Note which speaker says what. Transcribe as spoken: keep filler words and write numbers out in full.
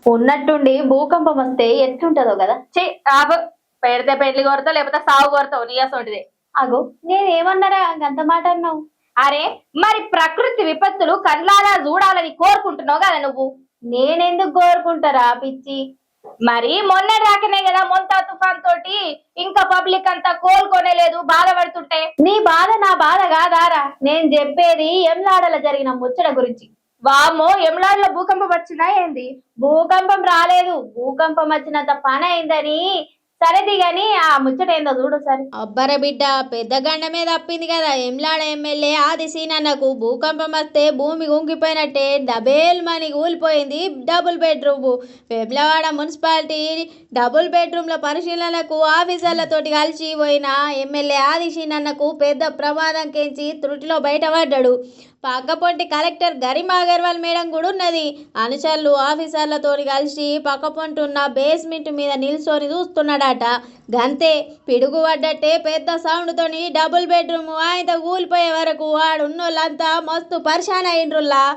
Speaker 1: ఉన్నట్టుండి భూకంపం వస్తే ఎట్లుంటదో కదా.
Speaker 2: ఛీ ఆపు. పెడితే పెళ్లి కోరతావు లేకపోతే సాగు కోరతావు నీ అసొంటిది.
Speaker 1: అగో నేనేమన్నారా అంత మాట అన్నావు?
Speaker 2: అరే మరి ప్రకృతి విపత్తులు కళ్ళారా చూడాలని కోరుకుంటున్నావు కదా నువ్వు.
Speaker 1: నేనెందుకు కోరుకుంటారా పిచ్చి?
Speaker 2: మరి మొన్న రాకనే కదా మొంతా తుఫాన్ తోటి ఇంకా పబ్లిక్ అంతా కోలుకోనే లేదు బాధపడుతుంటే.
Speaker 1: నీ బాధ నా బాధ కాదారా, నేను చెప్పేది ఎంలాడల జరిగిన ముచ్చట గురించి.
Speaker 2: వామో ఎమ్లాడ్లో భూకంపం వచ్చినా ఏంది?
Speaker 1: భూకంపం రాలేదు, భూకంపం వచ్చినంత పని అయిందని. సరేది గాని ఆ ముచ్చట ఏందో చూడు సరే.
Speaker 3: అబ్బర బిడ్డ పెద్ద గండమే తప్పింది కదా. ఎమ్లాడ ఎమ్మెల్యే ఆది సీనన్నకు భూకంపం వస్తే భూమి కుంగిపోయినట్టే డబేల్ మని కూలిపోయింది double bedroom. Vemulawada municipality double బెడ్రూమ్ల పరిశీలనకు ఆఫీసర్లతోటి కలిసి పోయిన ఎమ్మెల్యే ఆది సీనన్నకు పెద్ద ప్రమాదం కెంచి త్రుటిలో బయటపడ్డాడు. పక్కపొంటి కలెక్టర్ గరిమా అగర్వాల్ మేడం కూడా ఉన్నది. అనుచరులు ఆఫీసర్లతో కలిసి పక్కపొంటి ఉన్న బేస్మెంట్ మీద నిల్చొని చూస్తున్నాడట. గంతే పిడుగు పడ్డట్టే పెద్ద సౌండ్ తోని డబుల్ బెడ్రూమ్ ఆయన కూలిపోయే వరకు ఆడున్నోళ్ళంతా మస్తు పరిశాన్ అయిండ్రుల్లా.